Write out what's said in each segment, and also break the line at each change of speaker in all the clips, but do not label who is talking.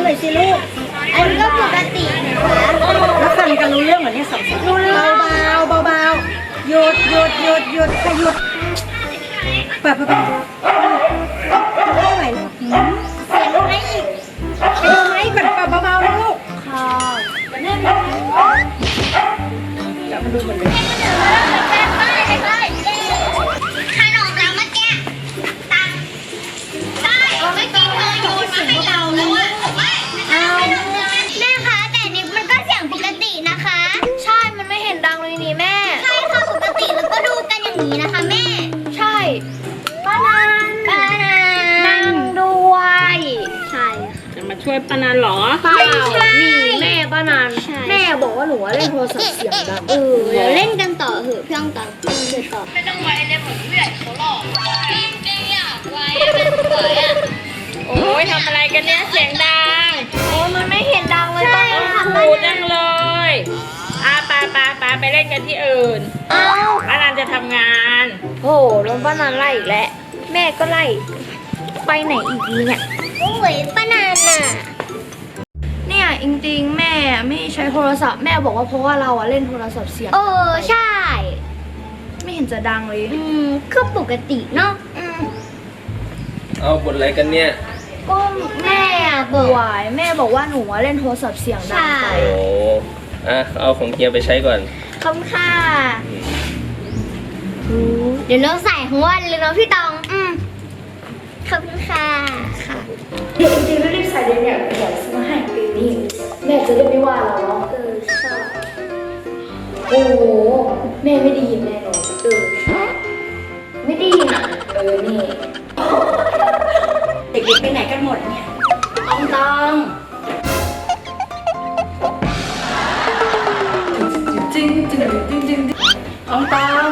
น่อยสิลูก
อันนี้ก็ปกตินะคะ
แล้วฟังกันรู้เรื่องเหรอเนี่ยสองคนเบาหยุดค่ะหยุดเปิดไม่ไหวเสียงอะไรอีกไปดูไหมก่อนเบาๆนะลูก
ค่ะ
จับมาดูหมดเลย
ขนมแล้วเมื่อกี้ตังได้เมื่อกี้เธอโยนมาให้เราแล้วอะแม่คะแต่นี่มันก็เสียงปกตินะคะใช่มันไม่เห็นดังเลยนี่แม่ใช่ค่ะปกติแล้วก็ดูกันอย่างนี้นะคะแม่ใช่ป้านันนั่งด้วยใช่
จะมาช่วยป้านันเหรอ
เปล่า
นี่แม่ป้านัน
แม่
บอกว่าหนูเล่นโทรศัพท์เสียงดัง
เดี๋ยวเล่นกันต่อเหอะเพื่อนต่อเดี๋ยวต่อ
ไม่ต้องไว้เลยผมเลือดเขาหลอกจริงๆอยากไว้มันสวยอ่ะ
โอ้ยทำอะไรกันเนี่ยเสียงดัง
โอ้มันไม่เห็นดังเลยป้า
หูดังเลยไปเล่นกันที่อื่นป้านันจะทำงาน
โอ้แล้วป้านันไล่อีกแล้วแม่ก็ไล่ไปไหนอีกดีเนี่ยโอ้ยป้านันน่ะ
เนี่ยจริงๆแม่ไม่ใช้โทรศัพท์แม่บอกว่าเพราะว่าเราเล่นโทรศัพท์เสียง
ใช่
ไม่เห็นจะดังเลย
คือปกติเนาะ
เอาบทอะไรกันเนี่ย
ก็แม่ป่วยแม่บอกว่าหนูเล่นโทรศัพท์เสียงดังไป
โอ้เอาของเกียร์ไปใช้ก่อน
ขอบคุณค่ะเดี๋ยวเราใส่ทั้งวันเลยเนาะพี่ตองขอบคุณค่ะ
จริงๆรีบใส่เลยเนี่ยเดี๋ยวซื้อมาให้ปีนี้แม่จะได้ไม่ว่าเราเนาะ
ชอบ
โอ้แม่ไม่ได้ยินแน่นอนไม่ได้ยินนี่
เด็กๆไปไหนกันหมดเนี่ยต้องจริงต้อง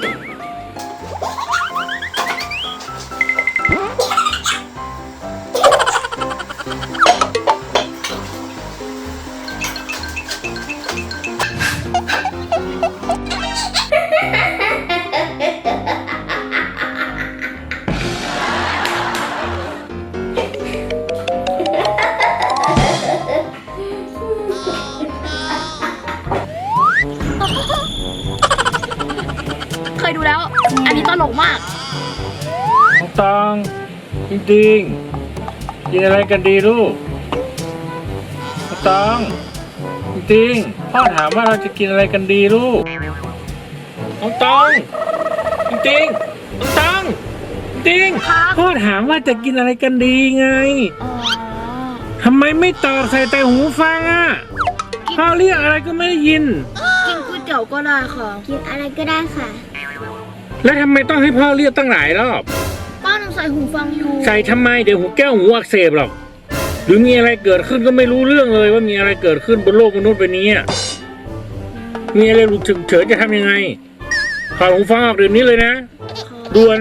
เคยดูแล้วอันนี้ตลกมาก
น้องตองจริงๆกินอะไรกันดีลูกน้องตองจริงๆพ่อถามว่าเราจะกินอะไรกันดีลูกน้องตองจริงๆน้องตองจริงพ่อถามว่าจะกินอะไรกันดีไงทำไมไม่ตอบใส่แต่หูฟังอ่ะพ่อเรียกอะไรก็ไม่ได้ยิน
กินก๋วยเตี๋ยวก็ได้ค่ะ
กินอะไรก็ได้ค่ะ
แล้วทำไมต้องให้พ่อเรียกตั้งหลายรอบ
ป้าหนูใส่หูฟังอยู่
ใส่ทำไมเดี๋ยวหูแก้วหูอักเสบหรอกหรือมีอะไรเกิดขึ้นก็ไม่รู้เรื่องเลยว่ามีอะไรเกิดขึ้นบนโลกมนุษย์ใบนี้มีอะไรหลุดฉุกเฉินจะทำยังไงถอดหูฟังออกเดี๋ยวนี้เลยนะด่วน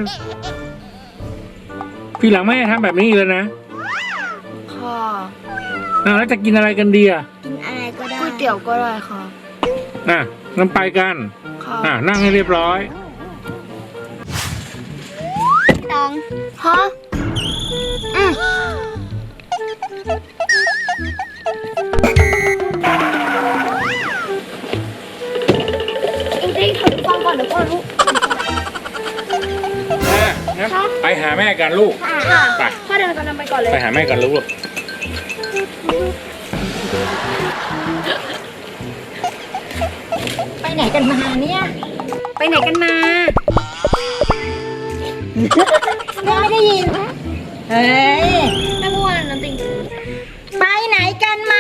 พี่หลังไม่ให้ทำแบบนี้เลยนะ
ค่ะ
แล้วจะกินอะไรกันดี
กินอะไรก็ได้
ก๋วยเตี๋ยวก็ได้ค่ะ
งั้นไปกันนั่งให้เรียบร้อย
ตอง
ฮะจริงๆถอดหูฟังก่อนเดี๋ยวก่อนลูก
งั้นไปหาแม่กันลูกไป
พ่อเดินกันไปก่อนเลย
ไปหาแม่กันลูก
ไปไหนกันมาเนี่ยไปไหนกันมาแม่ไม่ได้ยินเฮ้ย
แม่พูดอะไรนั่นติง
ไปไหนกันมา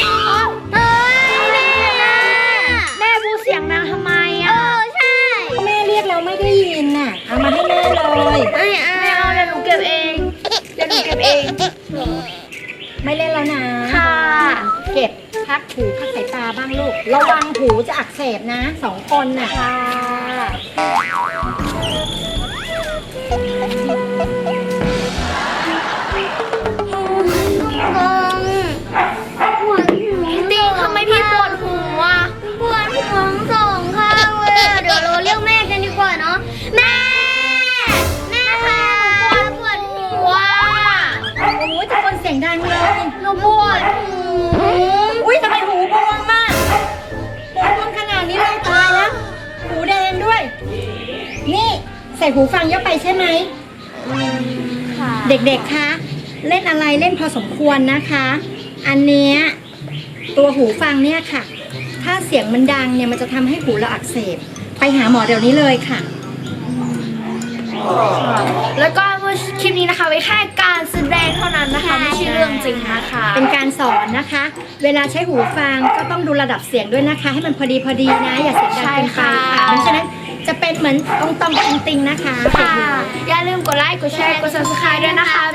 แม่พูดเสียงดังทำไม
ใช่
แม่เรียกเราไม่ได้ยินน่ะเอามาให้แม่เลย
ไม่เอาเดี๋ยวหนูเก็บเอง
ไม่เล่นแล้วนะ
ค่ะ
เก็บพักสายตาบ้างลูกระวังหูจะอักเสบนะ2 คนน่ะ
ค่ะ
ติงทำไมพี่ปวดหัวปวดหัว2 ข้างเลยเดี๋ยวเราเรียกแม่กันดีกว่าเนาะแม่ค่ะปวดหัว
โอ้ยจะคนเสียงดังเลย
เราปวด
ใส่หูฟังเยอะไปใช่ไหม
ค่ะ
เด็กๆ คะ เล่นอะไรเล่นพอสมควรนะคะ อันเนี้ยตัวหูฟังเนี่ยค่ะ ถ้าเสียงมันดังเนี่ยมันจะทำให้หูเราอักเสบ ไปหาหมอเดี๋ยวนี้เลยค่ะ
แล้วก็คลิปนี้นะคะไว้แค่การแสดงเท่านั้นนะคะ ไม่ใช่เรื่องจริงนะคะ
เป็นการสอนนะคะ เวลาใช้หูฟังก็ต้องดูระดับเสียงด้วยนะคะ ให้มันพอดีนะ อย่าเสียงดังเกินไปค่ะเพราะฉะนั้นจะเป็นเหมือนตรงๆติงๆนะคะ
ค่ะ อย่าลืมกดไลค์ กดแชร์ กด subscribe ด้วยนะคะ